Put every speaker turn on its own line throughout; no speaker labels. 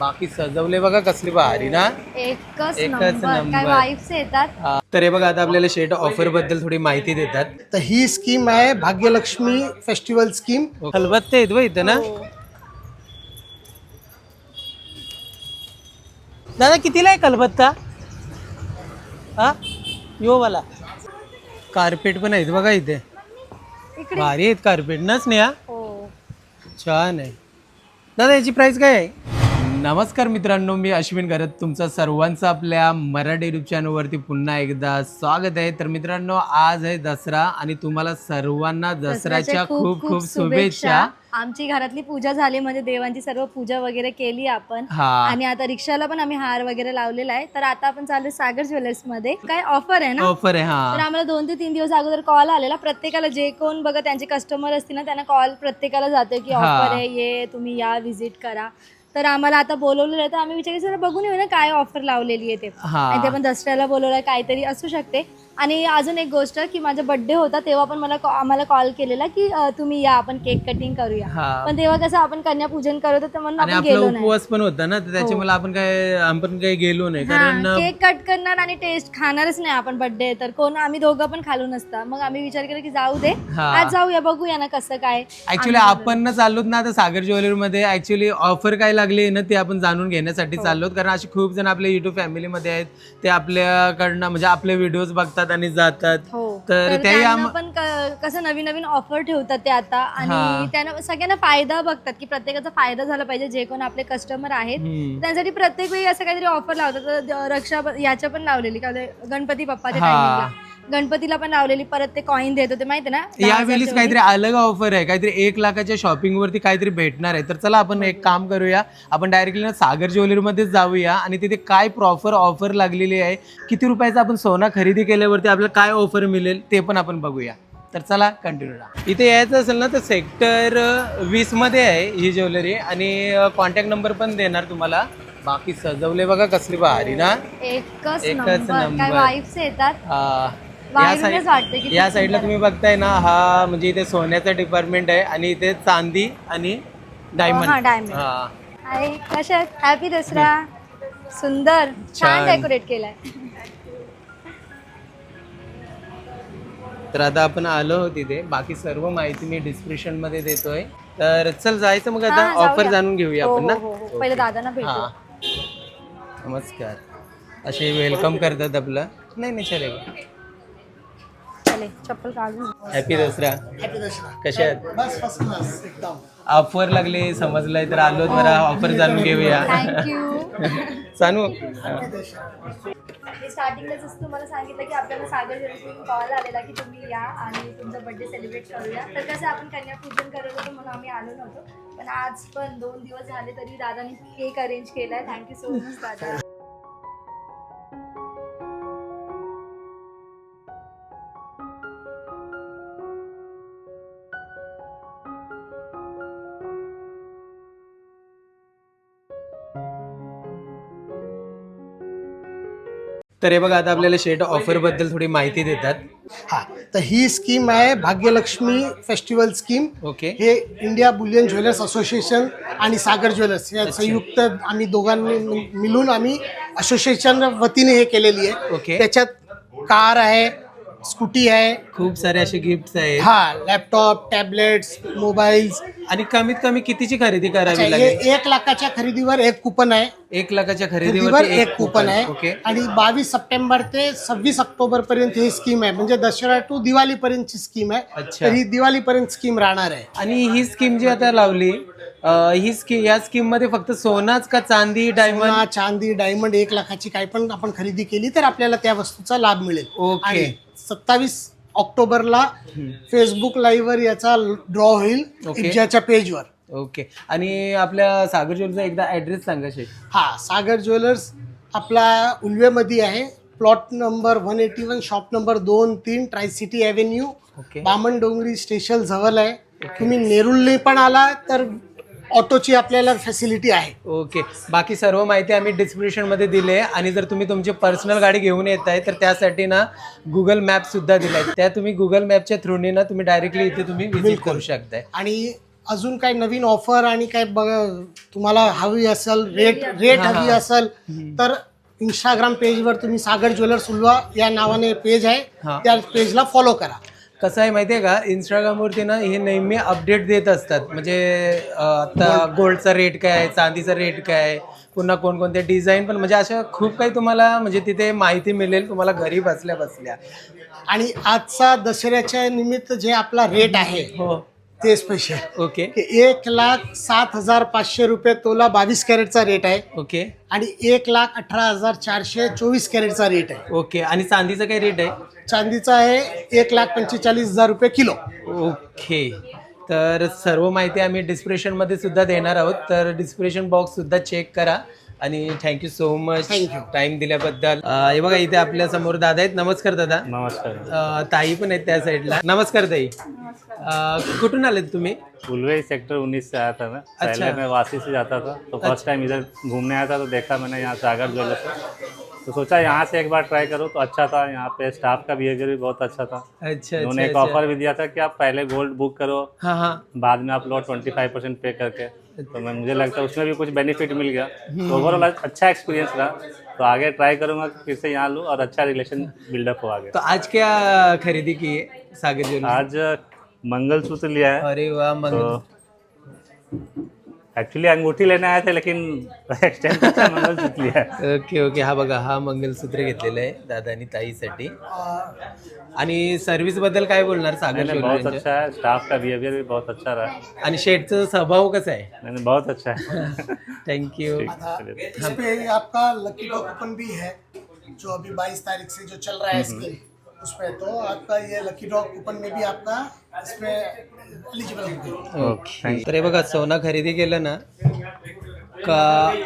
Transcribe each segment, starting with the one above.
बाकी सजवले बघा कसली भारी ना.
एकच
नंबर.
काय वाईब्स येतात.
तर हे बघा आता आपल्याला शेट ऑफर बद्दल थोडी माहिती देतात.
तर ही स्कीम आहे भाग्यलक्ष्मी फेस्टिवल स्कीम.
खलबत्ते आहेत बघ इथं ना.
हो.
दादा कितीला आहे कलबत्ता? हा यो वाला. कार्पेट पण आहेत बघा इथे.
इकडे
भारी आहेत कार्पेट ना स्नेहा.
हो.
छान आहे. दादा याची प्राइस काय आहे? नमस्कार मित्रांनो, मी अश्विन घरत तुमचं सर्वांचं आपल्या मराठी युट्यूब चॅनलवरती पुन्हा एकदा स्वागत आहे. तर मित्रांनो, आज आहे दसरा आणि तुम्हाला सर्वांना दसऱ्याच्या खूप खूप शुभेच्छा.
आमची घरातली पूजा झाली, म्हणजे देवांची सर्व पूजा वगैरे केली आपण.
हा.
आणि आता रिक्षाला पण आम्ही हार वगैरे लावलेला आहे. तर आता आपण चालू सागर ज्वेलर्स मध्ये. काय ऑफर आहे ना?
ऑफर आहे.
तर
हा.
आम्हाला 2 ते 3 दिवस अगोदर कॉल आलेला. प्रत्येकाला जे कोण बघा त्यांचे कस्टमर असतील ना, त्यांना कॉल प्रत्येकाला जाते की ऑफर आहे, ये तुम्ही या व्हिजिट करा. तर आम्हाला आता बोलवलेलं आहे, तर आम्ही विचार जरा बघून येऊ ना काय ऑफर लावलेली आहे ते. आणि ते पण दसऱ्याला बोलवलं, काहीतरी असू शकते. आणि अजून एक गोष्ट की माझा बर्थडे होता तेव्हा पण आम्हाला कॉल केलेला की तुम्ही या, आपण केक कटिंग करूया. पण तेव्हा कसं आपण कन्या पूजन करत होतो म्हणून
आणि
आपण
आपला
गेलो नाही.
उपवास पण होता ना, तर त्याच्यामुळे आपण काही गेलो नाही. कारण
केक कट करणार आणि टेस्ट खाणारच नाही आपण बर्थडे, तर कोण आम्ही दोघं पण खालू नसता. मग आम्ही विचार केला की जाऊ दे, आज जाऊया, बघूया ना कसं काय.
ऍक्च्युली आपण ना चाललोत ना आता सागर ज्वेलरी मध्ये. ऍक्च्युली ऑफर काय लागली ना ते आपण जाणून घेण्यासाठी चाललोत. कारण असे खूप जण आपल्या युट्यूब फॅमिलीमध्ये आहेत, ते आपल्याकडनं म्हणजे आपले व्हिडिओज बघतात आणि जातात. तर
त्यांना पण कसं नवीन नवीन ऑफर ठेवतात ते आता. आणि त्यांना सगळ्यांना फायदा बघतात की प्रत्येकाचा फायदा झाला पाहिजे. जे कोण आपले कस्टमर आहेत त्यांसाठी प्रत्येक वेळी असं काहीतरी ऑफर लावतात. रक्षा याच्या पण लावलेली का गणपती बाप्पाच्या टायमिंगला, गणपतीला पण लावलेली. परत ते कॉइन देत होते माहिती ना.
यावेळीच काहीतरी अलग ऑफर आहे, काहीतरी 1 लाखाच्या शॉपिंग वरती काहीतरी भेटणार आहे. तर चला आपण एक काम करूया, आपण डायरेक्टली ना सागर ज्वेलरी मध्ये जाऊया आणि तिथे काय प्रॉपर ऑफर लागलेली आहे, किती रुपयाचा आपण सोना खरेदी केल्यावरती आपल्याला काय ऑफर मिळेल ते पण आपण बघूया. तर चला कंटिन्यू राहा. इथे यायचं असेल ना तर सेक्टर 20 मध्ये आहे ही ज्वेलरी आणि कॉन्टॅक्ट नंबर पण देणार तुम्हाला. बाकी सजवले बघा कसली भारी ना.
एकच नंबर. काय वाईब्स येतात.
या साईडला तुम्ही बघताय ना, हा म्हणजे इथे सोन्याचा डिपार्टमेंट आहे आणि इथे चांदी आणि डायमंड.
कशा हॅपी दसरा. सुंदर छान डेकोरेट केलाय.
तर आता आपण आलो तिथे. बाकी सर्व माहिती मी डिस्क्रिप्शन मध्ये देतोय. तर चल जायचं मग आता ऑफर जाणून घेऊया आपण ना.
पहिले दादांना भेटू.
नमस्कार. असे वेलकम करतात आपलं. नाही चलेगा.
चप्पल काढून.
हॅपी दसरा.
हॅपी दसरा.
कशा आहेत?
बस फर्स्ट क्लास एकदम.
ऑफर लागले समजलंय तर आलो जरा ऑफर जाणून घेऊया.
थँक्यू.
सांगू
स्टार्टिंगलाच तुम्हाला सांगितलं की आपल्याला सागर ज्वेलर्सकडून कॉल आलेला की तुम्ही या आणि तुमचा बर्थडे सेलिब्रेट करूया. तर कसं आपण कन्यापूजन करत होतो म्हणून आम्ही आलो नव्हतो, पण आज पण 2 दिवस झाले तरी दादानी केक अरेंज केलाय. थँक्यू सो मच दादा.
तर हे बघा आता आपल्याला शेट ऑफर बद्दल थोडी माहिती देतात.
हा, तर ही स्कीम आहे भाग्यलक्ष्मी फेस्टिवल स्कीम.
ओके.
हे इंडिया बुलियन ज्वेलर्स असोसिएशन आणि सागर ज्वेलर्स या संयुक्त आम्ही दोघांनी मिळून आम्ही असोसिएशन वतीने हे केलेली आहे.
ओके.
त्याच्यात कार आहे, स्कूटी आहे,
खूप सारे असे गिफ्ट आहेत.
हा, लॅपटॉप, टॅबलेट्स, मोबाईल्स.
आणि कमीत कमी कितीची खरेदी करावी लागेल?
1 लाखाच्या खरेदीवर 1 कुपन आहे.
1 लाखाच्या
खरेदीवर
खरेदीवर
1 कुपन आहे.
ओके.
आणि 22 सप्टेंबर ते 26 ऑक्टोबर पर्यंत ही स्कीम आहे. म्हणजे दसरा टू दिवाळी पर्यंतची स्कीम आहे.
अच्छा.
तर ही दिवाळी पर्यंत स्कीम राहणार आहे.
आणि ही स्कीम जी आता लावली, ही स्कीम, या स्कीम मध्ये फक्त सोनाच का चांदी, डायमंड?
सोना, चांदी, डायमंड 1 लाखाची काही पण आपण खरेदी केली तर आपल्याला त्या वस्तूचा लाभ मिळेल.
ओके.
आणि 27 ऑक्टोबरला फेसबुक लाईव्ह वर याचा ड्रॉ होईल इब्जाच्या पेजवर.
ओके. आणि आपल्या सागर ज्वेलरचा एकदा ऍड्रेस सांगा शेठ.
हा, सागर ज्वेलर्स आपला उल्वेमध्ये आहे. Plot number 181, shop number 2-3, tri city avenue, Bamandongri station जवळ आहे. तुम्ही नेरुळने पण आला तर ऑटोची आपल्याला फॅसिलिटी आहे.
ओके. बाकी सर्व माहिती आम्ही डिस्क्रिप्शन मध्ये दिली आहे. आणि जर तुम्ही तुमची पर्सनल गाडी घेऊन येत आहे तर त्यासाठी ना गुगल मॅप सुद्धा दिलाय. त्या तुम्ही गुगल मॅपच्या थ्रूने ना तुम्ही डायरेक्टली इथे तुम्ही व्हिजिट करू शकताय.
आणि अजून काही नवीन ऑफर आणि काय तुम्हाला हवी असेल रेट हवी असेल तर इंस्टाग्राम पेजवर तुम्ही सागर ज्वेलर्स उल्वा या नावाने पेज आहे, त्या पेजला फॉलो करा.
कसं आहे माहिती आहे का, इंस्टाग्रामवरती ना हे नेहमी अपडेट देत असतात. म्हणजे आता गोल्डचा रेट काय आहे, चांदीचा रेट काय आहे, पुन्हा कोणकोणते डिझाईन पण, म्हणजे अशा खूप काही तुम्हाला म्हणजे तिथे माहिती मिळेल तुम्हाला घरी बसल्या बसल्या.
आणि आजचा दसऱ्याच्या निमित्त जे आपला रेट आहे
हो
ते स्पेशल.
ओके
1,07,500 रुपये तोला 22 कॅरेटचा रेट आहे.
ओके
आणि 1,18,400 24 कॅरेटचा रेट आहे.
ओके. आणि चांदीचा काय रेट आहे?
चांदीचा आहे 1,45,000 रुपये किलो.
ओके. तर सर्व माहिती आम्ही डिस्क्रिप्शनमध्ये सुद्धा देणार आहोत, तर डिस्क्रिप्शन बॉक्स सुद्धा चेक करा. आणि थँक्यू सो मच टाइम दिल्याबद्दल. हे बघा इथे आपल्या समोर दादा आहेत. नमस्कार दादा.
नमस्कार.
ताई पण आहेत त्या साईडला. नमस्कार ताई. कुठून आलेत तुम्ही?
उलवे सेक्टर 19 से आया था मैं. पहले मैं वासी से जाता था, तो फर्स्ट टाइम इधर घूमने आया था, तो देखा मैंने यहाँ सागर ज्वेलर्स, तो सोचा यहाँ से एक बार ट्राई करो. तो अच्छा था, यहाँ पे स्टाफ का बिहेवियर भी बहुत अच्छा था.
अच्छा.
उन्होंने एक ऑफर भी दिया था कि आप पहले गोल्ड बुक करो,
हाँ हाँ,
बाद में आप लो 25% पे करके. तो मुझे लगता है उसमें भी कुछ बेनिफिट मिल गया. तो ओवरऑल अच्छा एक्सपीरियंस रहा. तो आगे ट्राई करूंगा कि फिर से यहाँ लूँ और अच्छा रिलेशन बिल्डअप हो आगे.
तो आज क्या खरीदी की है सागर ज्वेलर्स?
आज मंगलसूत्र लिया है.
अरे वाह.
तो एक्चुअली अंगूठी लेने आए थे, लेकिन एक्सटेंड मंगलसूत्र लिया है.
Okay okay. हा बघा, हा मंगलसूत्र घेतलेलं आहे दादानी ताईसाठी. आणि सर्व्हिस बद्दल काय बोलणार सागर
बहुत
ज्वेलर्सच्या?
अच्छा है, स्टाफ का बिहेवियर भी बहुत अच्छा रहा.
आणि शेठचा स्वभाव कसा आहे?
मैंने बहुत अच्छा है.
थँक्यू.
इस पे आपका लकी ड्रॉ कूपन भी है जो अभी 22 तारीख से जो चल रहा है स्कीम उसमें. तो आपका ये लकी ड्रॉ कूपन में भी आपका इसमें एलिजिबल होगा.
ओके. तर हे बघा, सोना खरेदी केलं ना का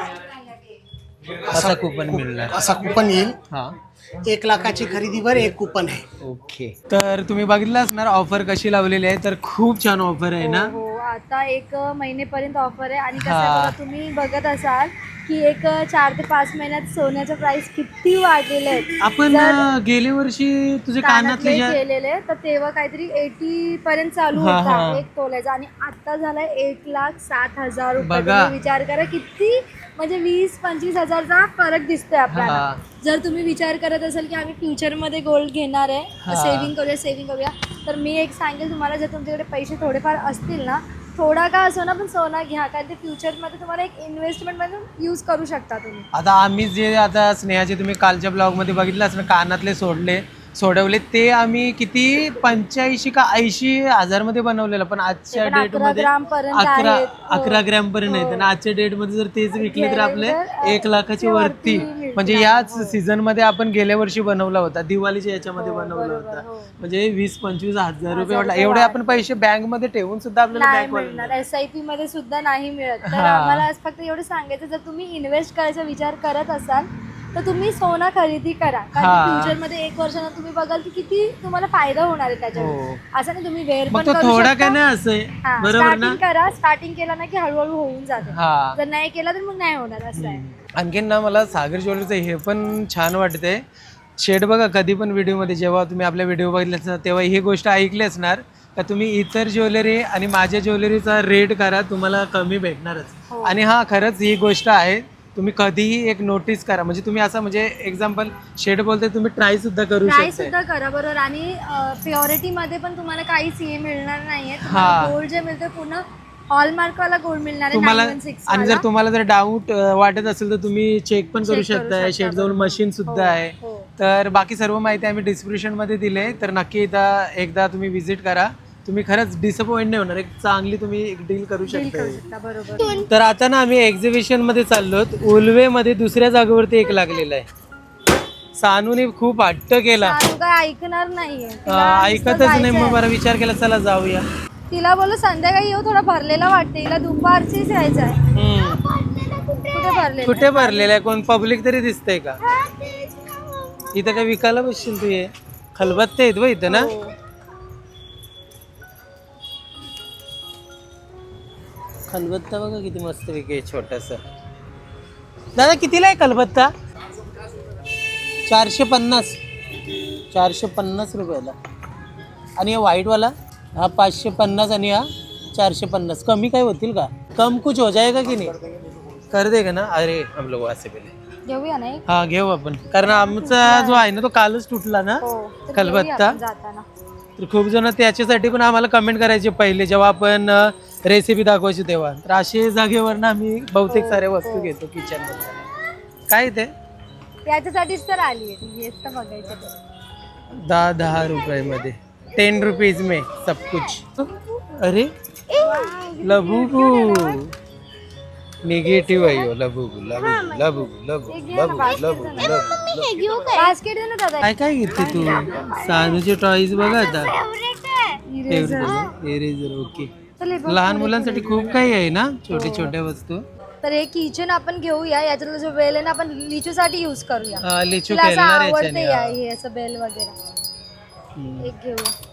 असा कूपन मिळणार.
असा कूपन येईल.
हा.
1 लाखाची खरेदीवर एक कूपन आहे.
ओके. तर तुम्ही बघितलं असणार ऑफर कशी लावलेली आहे. तर खूप छान ऑफर आहे ना.
हो, आता 1 महिनेपर्यंत ऑफर आहे. आणि कसं आहे बघा, तुम्ही बघत असाल की 4 ते 5 महिन्यात सोन्याचं प्राइस किती वाढलेले आहेत.
आपण गेल्या वर्षी तुझे कानातले
केलेले तर तेव्हा काहीतरी 80 पर्यंत चालू होता एक तोल्याचा, आणि आता झालाय 1,07,000 रुपये. तुम्ही विचार करा किती, म्हणजे 20-25 हजारचा फरक दिसतोय आपल्याला. जर तुम्ही विचार करत असाल की आम्ही फ्युचरमध्ये गोल्ड घेणार आहे, सेव्हिंग करूया, तर मी एक सांगेल तुम्हाला, जर तुमच्याकडे पैसे थोडेफार असतील ना, थोडा का असो ना पण सोना घ्या, कारण ते फ्युचरमध्ये तुम्हाला एक इन्व्हेस्टमेंट म्हणून यूज करू शकता तुम्ही.
आता आम्ही जे आता स्नेहाचे तुम्ही कालच्या ब्लॉगमध्ये बघितलं असं कानातले सोडवले ते आम्ही किती 85 का 80 हजारमध्ये बनवलेलं, पण आजच्या डेटमध्ये 11 ग्रॅम पर्यंत आहे. आणि आजच्या डेटमध्ये जर तेच विकले तर आपले 1 लाखाची वरती. म्हणजे याच सीझन मध्ये आपण गेल्या वर्षी बनवला होता, दिवाळीच्या याच्यामध्ये बनवला होता. म्हणजे 20-25 हजार रुपये वाटला. एवढे आपण पैसे बँक मध्ये ठेवून सुद्धा आपल्याला
मिळणार, SIP मध्ये सुद्धा नाही मिळत. तर आम्हाला आज फक्त एवढं सांगायचं, जर तुम्ही इन्व्हेस्ट करायचा विचार करत असाल तर तुम्ही सोना खरेदी करा, कारण फ्युचर मध्ये 1 वर्षानं तुम्ही बघाल की किती तुम्हाला फायदा होणार आहे त्याच्यावर. असं नाही, तुम्ही वेळ पण
थोडा काय नाही असं, बरोबर ना.
करा, स्टार्टिंग केला ना की हळूहळू होऊन जाते. जर नाही केला तर मग नाही होणार. असं आहे.
आणखीन ना मला सागर ज्वेलरीचं हे पण छान वाटतंय. शेड बघा, कधी पण व्हिडिओमध्ये जेव्हा तुम्ही आपल्या व्हिडिओ बघितले तेव्हा ही गोष्ट ऐकली असणार का तुम्ही इतर ज्वेलरी आणि माझ्या ज्वेलरीचा रेट करा, तुम्हाला कमी भेटणारच. आणि हा खरंच ही गोष्ट आहे. तुम्ही कधीही एक नोटीस करा, म्हणजे तुम्ही असं, म्हणजे एक्झाम्पल शेड बोलते, तुम्ही ट्राय सुद्धा करू शकता.
करा बरोबर. आणि प्युरिटी मध्ये पण तुम्हाला काहीच हे मिळणार नाहीये. गोल्ड जे मिळतं पूर्ण हॉलमार्क वाला गोल्ड मिळणार आहे
तुम्हाला. आणि जर तुम्हाला जर डाऊट वाटत असेल तर तुम्ही चेक पण करू शकता. शेड जवळ मशीन सुद्धा आहे. तर बाकी सर्व माहिती आम्ही डिस्क्रिप्शन मध्ये दिले, तर नक्की एकदा तुम्ही व्हिजिट करा. तुम्ही खरंच डिसअपॉइंट नाही होणार. एक चांगली तुम्ही एक डील करू शकता.
बरोबर.
तर आता ना आम्ही एक्झिबिशन मध्ये चाललो. उल्वे मध्ये दुसऱ्या जागेवरती एक लागलेला आहे. सानूने खूप हट्ट केला,
ऐकणार नाहीये,
ऐकतच नाही. मग बरा विचार केला चला जाऊया.
तिला बोललो संध्याकाळी येऊ, थोडा भरलेला वाटते. तिला दुपारचीच यायचं आहे.
कुठे भरलेला आहे? कोण पब्लिक तरी दिसतंय का इथं? काय विकायला बसशील तू? ये खलबत्ते आहेत व इथं ना. खलबत्ता बघा किती मस्त विके, छोटासा. दादा कितीला आहे खलबत्ता? 450 रुपयाला. आणि हा व्हाईटवाला हा 550. आणि हा 450 कमी काय होतील का? कम कुछ हो जाएगा की नाही? कर देगा ना? अरे हम लोग वहाँ से पहले
घेऊया नाही
हा घेऊ आपण, कारण आमचा जो आहे ना तो कालच तुटला ना
हो तर
खलबत्ता.
घेऊया आपण जाताना.
तर खूप जण त्याच्यासाठी पण आम्हाला कमेंट करायचे पहिले जेव्हा आपण रेसिपी दाखवायची तेव्हा. तर असे जागेवर ना आम्ही बहुतेक साऱ्या वस्तू घेतो किचन मध्ये. काय ते
याच्यासाठीच तर आली आहे, हेच तर बघायचं ते.
10 रुपये 10 रुपीज में सब कुछ. अरे लबुगू निगेटिव्ह आहे हो. लबुगू लबुगू लबुगू लबुगू लबुगू लबुगू.
बास्केट दे ना दादा.
काय काय घेते तू? सानूचे टॉईज बघा आता. Eraser okay.
चल हे बघ.
लहान मुलांसाठी खूप काही आहे ना छोटे छोट्या वस्तू.
तर हे किचन आपण घेऊया. याच्यातला जो बेल आहे ना आपण लिचूसाठी यूज करूया.
लिचू
तिला असं
खेळणार
आवडते
याच्याने.
या हे असं बेल वगैरे. एक घेऊया.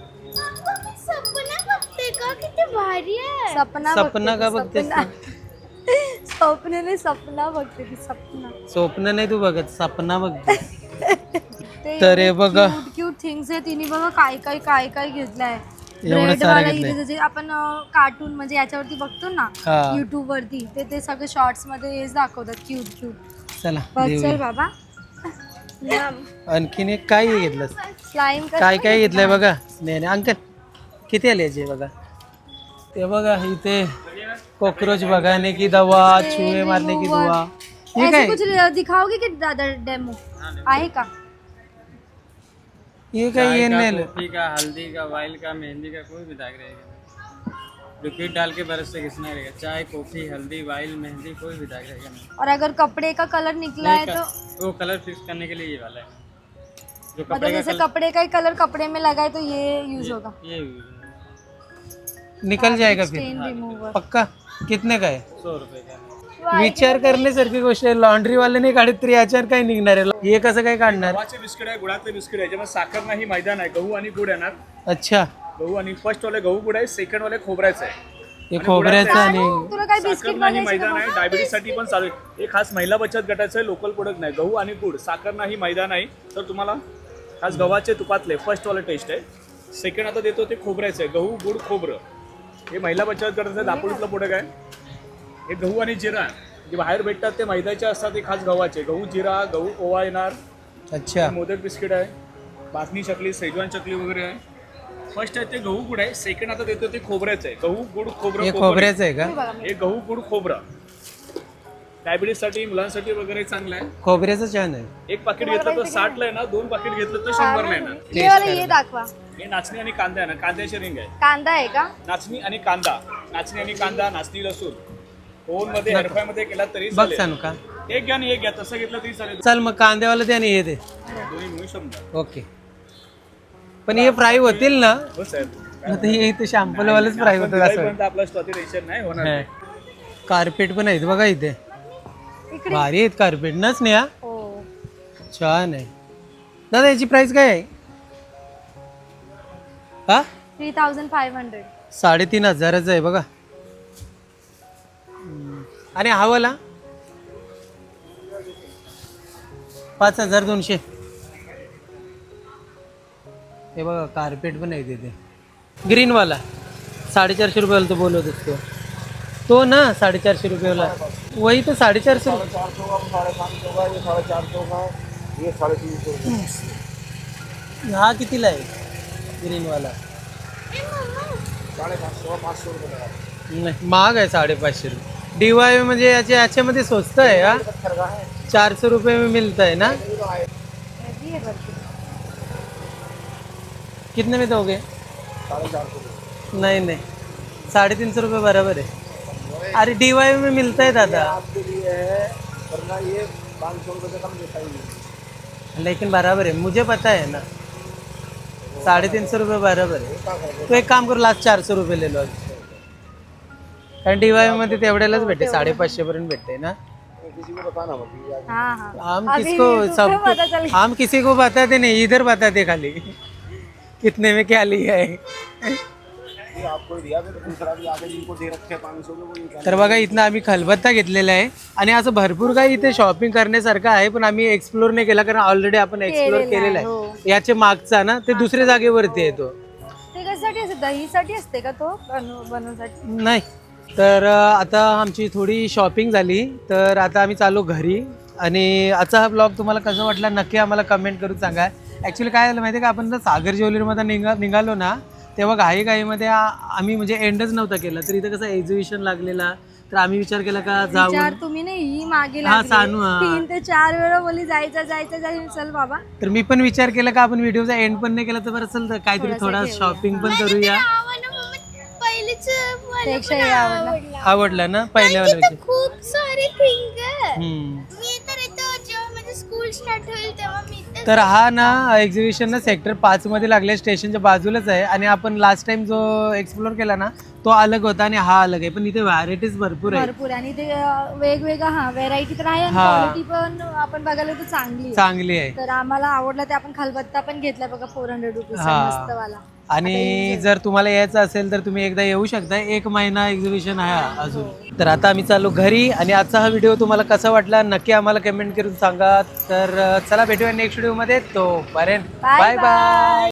सपना
सपना का
बघते
बघतेस
ती, स्वप्नाने सपना बघते ती. सपना
स्वप्न नाही तू बघत, सपना बघते.
ते
तर हे बघा
क्यूट थिंग्स आहे. तिने बघा काय काय घेतलंय.
एवढं
ब्रेड
सारं
वाला
घेतलंय.
इथे जे आपण कार्टून म्हणजे याच्यावरती बघतो ना
हा.
युट्यूब वरती, ते सगळे शॉर्ट्स मध्ये हेच दाखवतात क्यूट.
चला
बघ चल
देऊया.
बाबा.
आणखीन एक काय घेतलं?
स्लाइम
काय काय घेतलंय बघा. नाही अंकल किती आले याचे बघा. ते बघा इथे कॉकरोच भगाने की दवा, चूहे मारने की दवा. हे
ऐसे
काय?
कुछ दिखाओगे कि दादा डेमो आहे का?
ये काय ये नाही
कॉफी का, हल्दी का, वाइल का, मेहंदी का, कोई भी दाग रहेगा. लिक्विड डाल के ब्रश से घिसना रहेगा. चाय, कॉफी, हल्दी, वाइल, मेहंदी, कोई भी दाग रहेगा नहीं.
और अगर कपड़े का कलर निकला है तो
वो कलर फिक्स करने के लिए ये वाला है. जो
मतलब
कपड़े का
जैसे कपड़े का ही कलर कपड़े में लगा है तो ये यूज होगा.
ये
निकल जाएगा फिर
स्टेन रिमूवर.
पक्का. कितने का आहे?
100 रुपए का.
विचार करण्यासारखी गोष्ट आहे. लॉन्ड्री वाले नाही काढत तरी याच्यावर काय निघणार आहे? हे कसं काय काढणार?
गव्हाचे बिस्किट आहे, गुळाचे बिस्किट आहे, ज्यामध्ये साखर नाही, मैदा नाही, गहू आणि गुड येणार.
अच्छा
गहू आणि फर्स्ट वाले गहू गुड आहे, सेकंड वाले खोबऱ्याचं आहे.
हे खोबऱ्याचं आणि
तुला काय
साखर
बिस्किट
नाही,
बनायचं
मैदा
का?
नाही, डायबिटीस साठी पण चालू आहे. हे खास महिला बचत गटाचं आहे, लोकल प्रोडक्ट नाही. गहू आणि गुड, साखर नाही, मैदा नाही. तर तुम्हाला खास गव्हाचे तुपातले फर्स्ट वाले टेस्ट आहे. सेकंड आता देतो ते खोबऱ्याचं आहे, गहू गुड खोबरं. हे महिला बचत गटाचं आहे, दापोलीतलं प्रोडक्ट आहे. हे गहू आणि जिरा जे बाहेर भेटतात ते मैद्याचे असतात, ते खास गव्हाचे. गहू जिरा, गहू ओवा येणार.
अच्छा
मोदक बिस्किट आहे, बासनी चकली, सेजवान चकली वगैरे आहे. फर्स्ट आहे ते गहू गुड आहे. सेकंड आता देतो ते खोबऱ्याचं आहे, गहू गुड खोबरं.
हे खोबऱ्याचं आहे का?
हे गहू गुड खोबरं डायबिटीस साठी, मुलांसाठी वगैरे चांगलं आहे.
खोबऱ्याचं छान आहे.
एक पाकिट घेतलं तर 60 ला आहे ना, 2 पाकिट घेतलं तर 100 ला येणार.
ये वाला ये दाखवा.
हे नाचणी आणि कांदा आहे ना, कांद्याची रिंग आहे.
कांदा आहे का?
नाचणी आणि कांदा, नाचणी आणि कांदा, नाचणी लसूण ओव्हन मध्ये एअरफ्राय मध्ये केला तरी
बघ
चालेल.
सांगू का?
एक घ्या आणि एक घ्या, तसं घेतलं तरी चालेल.
चल मग कांद्यावाला ते आणि हे दे.
दोन्ही मिळू शकतात.
ओके. पण हे फ्राय होतील ना?
हो साहेब.
आता हे इथे शॅम्पूलवालंच फ्राय होतं असं.
दिवाळीपर्यंत आपला स्टॉक टेन्शन नाही होणार.
कार्पेट पण आहेत बघा इथे.
इकडे
भारी आहेत कार्पेट ना स्नेहा.
हो.
छान आहे. दादा याची प्राइस काय आहे? हा
3500.
3500 आहे बघा. आणि हा वाला 5200. हे बघा कार्पेट पण आहे तिथे. ग्रीन वाला 450 रुपयाला तो बोलत असतो तो ना. 450 रुपयाला वही तो 450 हा कितीला आहे ग्रीन वाला? नाही महाग आहे 550 रुपये. DIY म्हणजे याच्यामध्ये स्वस्त आहे हा. 400 रुपये में मिलता है ना. कितने में दोगे? 450. नहीं नहीं 350 रुपये बराबर है. अरे DIY में मिलता है दादा. लेकिन बराबर है, मुझे पता है ना. 350 रुपये बराबर है. तो एक काम करो, लास्ट 400 रुपये ले लो आज. कारण DIY मध्ये तेवढ्यालाच भेटते, 550 पर्यंत भेटते ना.
हाँ हाँ.
हम
अभी
किसको
तुम्हें पता चल
सब हम किसी को बताते नहीं, इधर बताते खाली कितने में क्या लिया है. तर बघा इथनं आम्ही खलबत्ता घेतलेला आहे आणि असं भरपूर काही इथे शॉपिंग करण्यासारखं आहे, पण आम्ही एक्सप्लोर नाही केला कारण ऑलरेडी आपण एक्सप्लोर केलेला आहे. याच्या मागचा ना ते दुसऱ्या जागेवरती आहे तो.
ते कशासाठी असे दहीसाठी असते का तो बनवण्यासाठी?
नाही. तर आता आमची थोडी शॉपिंग झाली, तर आता आम्ही चालू घरी. आणि आजचा हा ब्लॉग तुम्हाला कसं वाटला नक्की आम्हाला कमेंट करून सांगा. ॲक्च्युली काय झालं माहिती आहे का, आपण जर सागर ज्वेलरीमध्ये निघालो ना, तेव्हा घाईमध्ये आम्ही म्हणजे एंडच नव्हता केला. तर इथं कसं एक्झिबिशन लागलेला, तर आम्ही विचार केला का जाऊ.
तुम्ही नाही ही मागे
हा, सानू, हा.
3 ते 4 वेळा बोली जायचं चल बाबा.
तर मी पण विचार केला का आपण व्हिडिओचा एंड पण नाही केला, तर बरं चल काहीतरी थोडा शॉपिंग पण करूया.
पेक्षा हे आवडलं.
आवडला ना पहिल्यावाला.
खूप सारे थिंग
हम्म.
मी तर इथं जेव्हा माझं स्कूल स्टार्ट होईल तेव्हा मी इथे
तर हा ना एक्झिबिशन ना सेक्टर 5 मध्ये लागल्या स्टेशनच्या बाजूलाच आहे. आणि आपण लास्ट टाइम जो एक्सप्लोर केला ना तो अलग होता आणि हा अलग आहे, पण इथे व्हरायटीज भरपूर आहे.
भरपूर आणि ते वेगवेगळं व्हेरायटी तर आहे आणि
हा.
क्वालिटी पण आपण बघायला तर चांगली आहे.
चांगली आहे.
तर आम्हाला आवडलं ते आपण खलबत्ता पण घेतला बघा 400 रुपीज
हा.
मस्त वाला.
आणि जर तुम्हाला यायचं असेल तर तुम्ही एकदा येऊ शकता. 1 महिना एक्झिबिशन आहे अजून. तर आता आम्ही चालू घरी. आणि आजचा हा व्हिडिओ तुम्हाला कसा वाटला नक्की आम्हाला कमेंट करून सांगा. तर चला भेटूया नेक्स्ट व्हिडिओ मध्ये. तो पर्यंत बाय बाय.